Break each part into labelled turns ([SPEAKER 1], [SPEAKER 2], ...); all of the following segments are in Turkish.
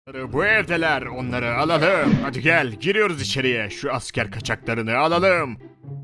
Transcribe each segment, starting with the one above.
[SPEAKER 1] Bu evdeler, onları alalım. Hadi gel, giriyoruz içeriye. Şu asker kaçaklarını alalım.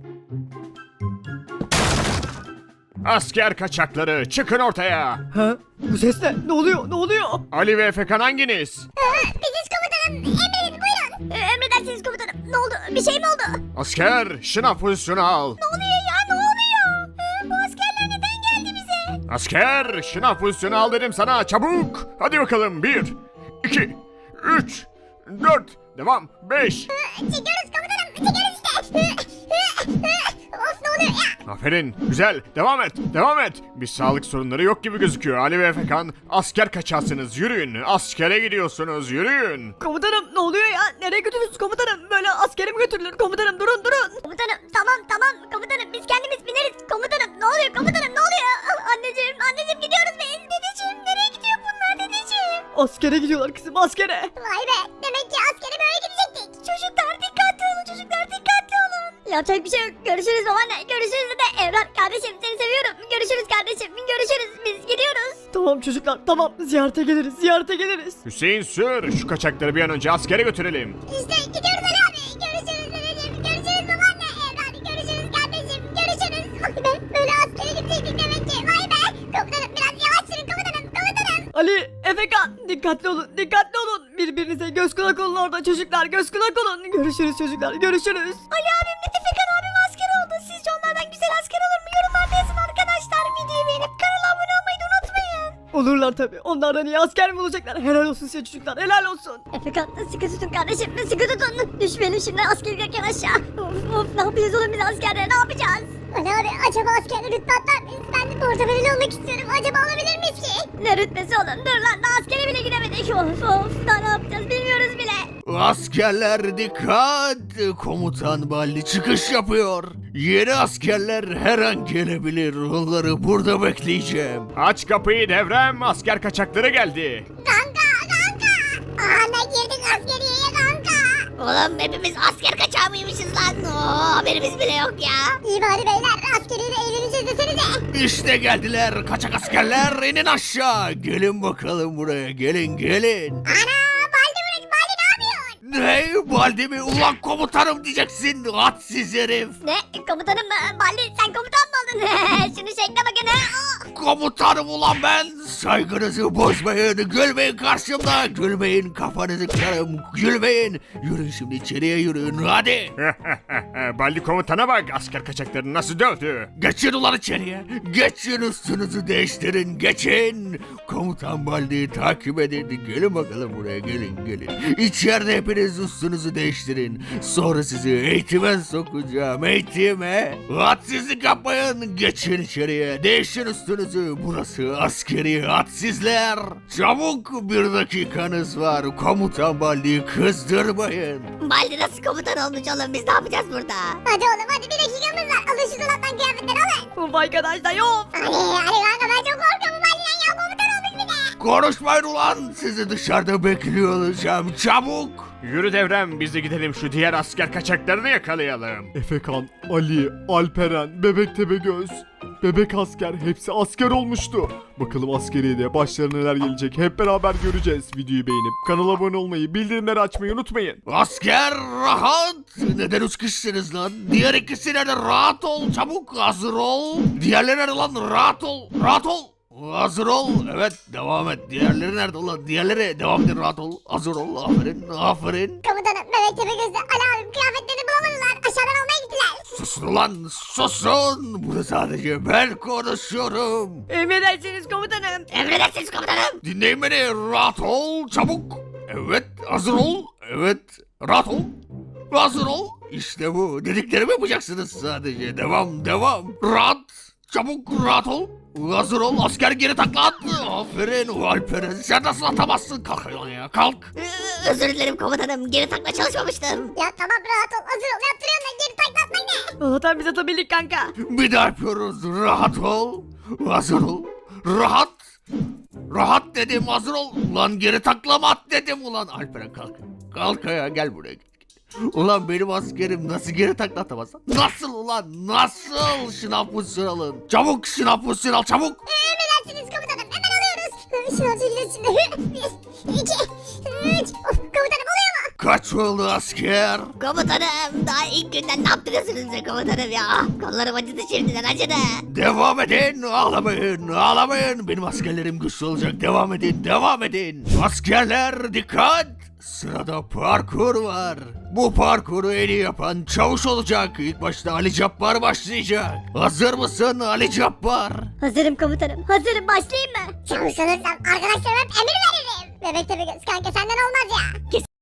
[SPEAKER 1] Asker kaçakları çıkın ortaya.
[SPEAKER 2] Ha? Bu ses ne? Ne oluyor? Ne oluyor?
[SPEAKER 1] Ali ve Efekan hanginiz?
[SPEAKER 3] Biziz komutanım. Emredin buyurun. Emredersiniz komutanım. Ne oldu? Bir şey mi oldu?
[SPEAKER 1] Asker, şınav pozisyonu al.
[SPEAKER 3] Ne oluyor ya? Ne oluyor? Bu askerler neden geldi bize?
[SPEAKER 1] Asker, şınav pozisyonu al dedim sana, çabuk. Hadi bakalım, 1, 2, 3, 4, devam, 5.
[SPEAKER 3] Çekiyoruz komutanım. Çekiyoruz işte. Of ne oluyor ya?
[SPEAKER 1] Aferin, güzel, devam et, devam et. Bir sağlık sorunları yok gibi gözüküyor. Ali ve Efekan, asker kaçarsınız, yürüyün. Askere gidiyorsunuz, yürüyün.
[SPEAKER 2] Komutanım ne oluyor ya? Nereye götürüyorsunuz komutanım? Böyle askere mi götürülür? Komutanım durun durun.
[SPEAKER 3] Komutanım tamam komutanım biz kendimiz bineriz. Komutanım ne oluyor komutanım ne oluyor? Anneciğim gidiyoruz biz. Dedeciğim nereye gidiyor bunlar dedeciğim?
[SPEAKER 2] Askere gidiyorlar kızım askere.
[SPEAKER 3] Vay be demek ki askere böyle gidecektik. Çocuklar dikkatli olun çocuklar dikkatli olun. Yapacak bir şey yok. Görüşürüz babaanne. Görüşürüz de Evlat kardeşim seni seviyorum. Görüşürüz kardeşim. Görüşürüz biz gidiyoruz.
[SPEAKER 2] Tamam çocuklar tamam ziyarete geliriz ziyarete geliriz.
[SPEAKER 1] Hüseyin sür, şu kaçakları bir an önce askere götürelim.
[SPEAKER 3] İşte gidiyoruz Ali abi. Görüşürüz dedeciğim. Görüşürüz babaanne. Evlat görüşürüz kardeşim. Görüşürüz. Vay be böyle askere gidecektik demek ki. Vay be. Komutanım biraz yavaş sürün komutanım. Komutanım.
[SPEAKER 2] Ali, Efekan dikkatli olun dikkatli olun. Birbirinize göz kulak olun orada çocuklar göz kulak olun. Görüşürüz çocuklar görüşürüz.
[SPEAKER 3] Ali abim de Efekan abim asker oldu. Sizce onlardan güzel asker olur mu? Yorumlarda yazın arkadaşlar. Videoyu beğenip kanala abone olmayı da unutmayın.
[SPEAKER 2] Olurlar tabi. Onlardan iyi asker mi olacaklar? Helal olsun size çocuklar helal olsun.
[SPEAKER 3] Efekan sıkı tutun kardeşim. Sıkı tutun. Düşmeyelim şimdi asker giderken aşağı. Of ne yapacağız oğlum biz askerde ne yapacağız? Ali abi acaba askerde rütbe atlar mıyız? Ben de portakaleli olmak istiyorum. Acaba alabilir miyiz ki? Ne rütbesi oğlum? Dur lan daha askere bile gidemedik. Of daha ne yapacağız bilmiyoruz bile.
[SPEAKER 4] Askerler dikkat! Komutan Balli çıkış yapıyor. Yeni askerler her an gelebilir. Onları burada bekleyeceğim.
[SPEAKER 1] Aç kapıyı devrem, asker kaçakları geldi.
[SPEAKER 3] Kanka. Ana girdik askeriyeye kanka. Oğlum hepimiz asker kaçağı mıymışız lan? Haberimiz bile yok ya. İyi bari beyler askeriyle eğleneceğiz desenize.
[SPEAKER 4] İşte geldiler kaçak askerler inin aşağı. Gelin bakalım buraya gelin.
[SPEAKER 3] Ana Baldi ne yapıyorsun?
[SPEAKER 4] Ne Baldi mi? Ulan komutanım diyeceksin. Hadsiz herif.
[SPEAKER 3] Ne? Komutanım mı? Baldi sen komutan mı oldun? Şunu şekle bakın ha.
[SPEAKER 4] Komutanım ulan ben. Saygınızı bozmayın. Gülmeyin karşımda. Gülmeyin kafanızı kırarım. Gülmeyin. Yürüyün şimdi içeriye yürüyün hadi.
[SPEAKER 1] Balli komutana bak, asker kaçaklarını nasıl dövdü.
[SPEAKER 4] Geçin ulan içeriye. Geçin üstünüzü değiştirin. Geçin. Komutan Baldi'yi takip edin. Gelin bakalım buraya gelin. İçeride hepiniz üstünüzü değiştirin. Sonra sizi eğitime sokacağım. Eğitime. Hadsizlik yapmayın. Geçin içeriye. Değişin üstünüzü. Burası askeri hadsizler. Çabuk 1 dakikanız var. Komutan Baldi'yi kızdırmayın.
[SPEAKER 3] Baldi nasıl komutan olmuş oğlum biz ne yapacağız burada? Hadi oğlum hadi bir dakikamız var. Alın şu dolaptan kıyafetleri alın.
[SPEAKER 2] Of arkadaşlar yok.
[SPEAKER 3] Hadi kanka ben çok korkuyorum Baldi'den ya komutan olmuş bir de.
[SPEAKER 4] Konuşmayın ulan. Sizi dışarıda bekliyor olacağım. Çabuk.
[SPEAKER 1] Yürü devrem, biz de gidelim şu diğer asker kaçaklarını yakalayalım.
[SPEAKER 5] Efekan, Ali, Alperen, Bebek Tepegöz, Bebek Asker hepsi asker olmuştu. Bakalım askeriye de başlarına neler gelecek hep beraber göreceğiz. Videoyu beğenip kanala abone olmayı, bildirimleri açmayı unutmayın.
[SPEAKER 4] Asker rahat. Neden üç kişisiniz lan? Diğer ikisi nerede? Rahat ol çabuk hazır ol. Diğerleri nerede lan? Rahat ol. Hazır ol. Evet devam et. Diğerleri nerede ulan? Diğerleri devam edin rahat ol. Hazır ol. Aferin.
[SPEAKER 3] Komutanım Bebek Tepegöz'de Ali abim kıyafetlerini bulamadılar. Aşağıdan almaya gittiler.
[SPEAKER 4] Susun ulan susun. Burada sadece ben konuşuyorum.
[SPEAKER 2] Emredersiniz komutanım.
[SPEAKER 3] Emredersiniz komutanım.
[SPEAKER 4] Dinleyin beni. Rahat ol çabuk. Evet hazır ol. Evet rahat ol. Hazır ol. İşte bu. Dediklerimi yapacaksınız sadece. Devam. Rahat. Çabuk rahat ol. Hazır ol. Asker geri takla at. Aferin Alperen. Sen nasıl atamazsın? Kalk ayağa ya. Kalk.
[SPEAKER 3] Özür dilerim komutanım. Geri takla çalışmamıştım. Ya tamam rahat ol. Hazır ol. Yaptırıyorum ben. Geri takla atmayın ne?
[SPEAKER 2] Allah'tan biz atabildik kanka.
[SPEAKER 4] Bir daha yapıyoruz. Rahat ol. Hazır ol. Rahat dedim hazır ol. Ulan geri taklama at dedim ulan. Alperen kalk. Kalk ayağa gel buraya. Ulan benim askerim nasıl geri takla atamaz? Nasıl ulan? Nasıl? Şınav pozisyonu alın. Çabuk şınav pozisyonu al çabuk.
[SPEAKER 3] Emredersiniz komutanım. Hemen alıyoruz. Şunu çekiyoruz şimdi. 1, 2, 3.
[SPEAKER 4] kaç oldu asker?
[SPEAKER 3] Komutanım daha ilk günden ne yaptırıyorsunuz be komutanım ya? Kollarım acıdı şimdiden acıdı.
[SPEAKER 4] Devam edin, ağlamayın, ağlamayın. Benim askerlerim güçlü olacak. Devam edin, devam edin. Askerler dikkat! Sırada parkur var. Bu parkuru en iyi yapan çavuş olacak. İlk başta Ali Cabbar başlayacak. Hazır mısın Ali Cabbar?
[SPEAKER 3] Hazırım komutanım hazırım başlayayım mı? Çavuş olursam arkadaşlarıma hep emir veririm. Bebek tabi göz kanka senden olmaz ya.